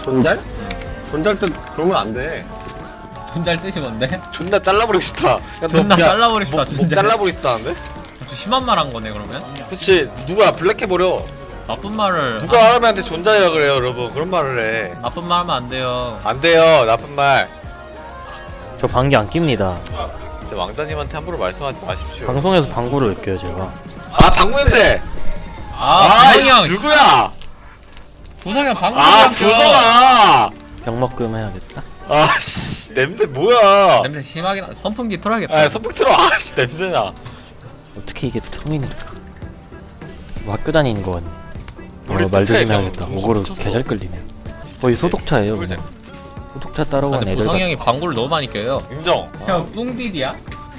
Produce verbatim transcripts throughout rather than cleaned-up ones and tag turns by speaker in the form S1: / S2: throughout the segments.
S1: 존잘? 존잘 뜻 그러면 안 돼.
S2: 존잘 뜻이 뭔데?
S1: 존나 잘라버리고 싶다. 야, 너
S2: 존나
S1: 그냥
S2: 잘라버리고 싶다,
S1: 목, 목
S2: 존잘.
S1: 잘라버리고 싶다는데?
S2: 아주 심한 말 한 거네 그러면?
S1: 그치. 누가 블랙 해버려.
S2: 나쁜 말을
S1: 누가
S2: 아,
S1: 사람한테 존잘이라 그래요, 여러분. 그런 말을 해.
S2: 나쁜 말 하면 안 돼요.
S1: 안 돼요, 나쁜 말.
S3: 저 방귀 안 낍니다.
S1: 진짜 왕자님한테 함부로 말씀하지 마십시오.
S3: 방송에서 방구를 왜 껴요 제가?
S1: 아, 방구 냄새!
S2: 아,
S1: 아,
S2: 보성이 형!
S1: 누구야?
S2: 보성이 형 방금
S1: 아,
S2: 형 껴.
S1: 교성아!
S3: 병먹금 해야겠다.
S1: 아, 씨, 냄새 뭐야?
S2: 냄새 심하게 나. 선풍기 틀어야겠다.
S1: 아, 선풍 틀어. 아, 씨, 냄새나.
S3: 어떻게 이게 통인이 뭐 학교 다니는 거 같네.
S1: 우리
S3: 어, 말
S1: 뚝배기
S3: 조심해야겠다.
S1: 그냥
S3: 오고로
S1: 미쳤어.
S3: 개잘 끌리네. 거의 소독차예요
S1: 꿀잼.
S3: 그냥. 소독차 따라고 하는
S2: 근데
S3: 애들
S2: 보성이
S3: 같아.
S2: 형이 방구를 너무 많이 껴요.
S1: 인정.
S2: 형 뿡디디야?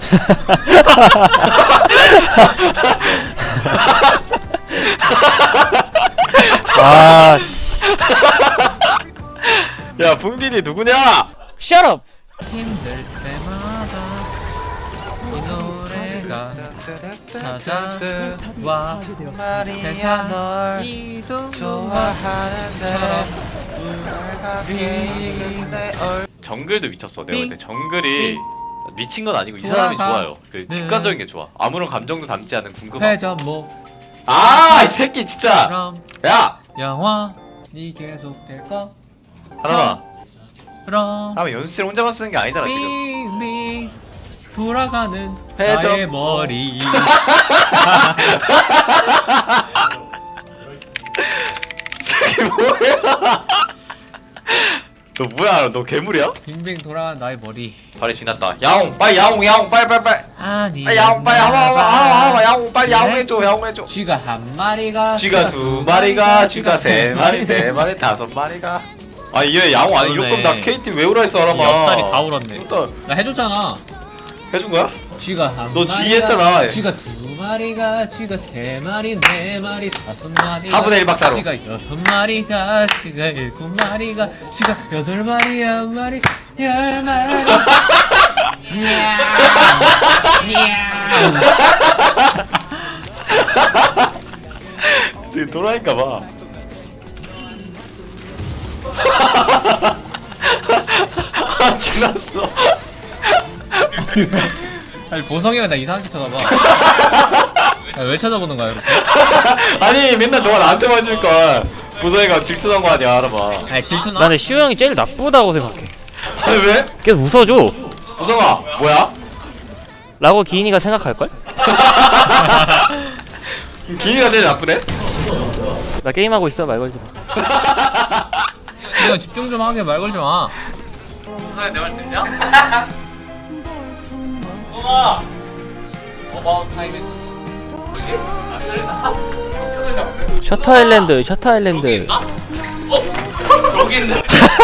S3: 아
S1: 야, 붕디디 누구냐?
S3: shut up!
S2: 힘들 때마다 이 노래가 찾아와 세상 이동동화처럼
S1: 정글도 미쳤어. 내가 볼 때
S2: 삥.
S1: 정글이 미친 건 아니고 이
S2: 좋아가.
S1: 사람이 좋아요. 그
S2: 네.
S1: 직관적인 게 좋아. 아무런 감정도 담지 않은 궁금함.
S2: 회전목
S1: 아, 이 새끼 진짜.
S2: 그럼
S1: 야,
S2: 영원히 계속될 거
S1: 하나만.
S2: 그럼
S1: 하나만 연습실 혼자만 쓰는 게 아니잖아 지금.
S2: 빙빙 돌아가는
S1: 회전.
S2: 나의 머리
S1: 이게 뭐야? 너 뭐야? 너 괴물이야?
S2: 빙빙 돌아가는 나의 머리
S1: 발이 지났다. 야옹, 빨리 야옹, 야옹, 빨리, 빨리, 빨리.
S2: 아니
S1: 빨리 야옹, 빨리 야옹, 야옹, 야옹, 야옹, 빨리 야옹 해줘, 야옹 해줘.
S2: 쥐가 한 마리가
S1: 쥐가 두 마리가, 쥐가 세 마리, 네 마리, 다섯 마리가. 아, 얘 야옹 아니 이럴 거면 나
S2: 그러네.
S1: 케이티 외우라 했어, 알아봐.
S2: 옆자리 다 울었네
S1: 일단
S2: 나 해줬잖아
S1: 해준 거야?
S2: 쥐가 한
S1: 너
S2: 마리가
S1: 쥐 했잖아.
S2: 쥐가 두 마리가 쥐가 세 마리 네 마리 다섯 마리
S1: 사분의 일 박자로.
S2: 쥐가 여섯 마리가 쥐가 일곱 마리가 쥐가 여덟 마리 한 마리 열 마리
S1: 되게 돌아니까 봐. 아, 지났어.
S2: 아니 보성이 형 나 이상하게 쳐다봐 야, 왜 쳐다보는 거야 이렇게
S1: 아니, 맨날 너가 나한테 맞으니까 보성이가 질투난 거 아니야, 알아봐.
S2: 아니 질투나?
S3: 나는 시우 형이 제일 나쁘다고 생각해.
S1: 아니, 왜?
S3: 계속 웃어줘.
S1: 보성아, 뭐야?
S3: 라고 기인이가 생각할걸?
S1: 기니가 제일 나쁘네?
S3: 나 게임하고 있어 말 걸지 마.
S2: 이거 집중 좀 하게 말 걸지 마
S1: 아, 내말 듣냐? 보성아!
S2: 어머 타이밍
S3: 셔터 아일랜드 셔터 아일랜드.
S1: 여기 있네.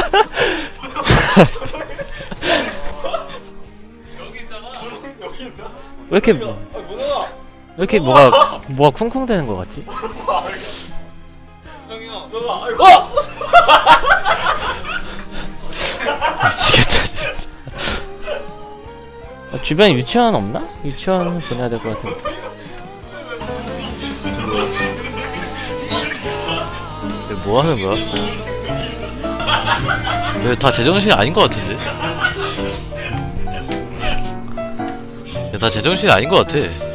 S3: 왜 이렇게 왜 이렇게 뭐가 뭐가 쿵쿵대는 거 같지? 미치겠다. 아, 주변에 유치원 없나? 유치원 보내야 될 것 같은데.
S4: 뭐 하는 거야? 왜 다 제정신이 아닌 것 같은데? 야, 다 제정신이 아닌 것 같아.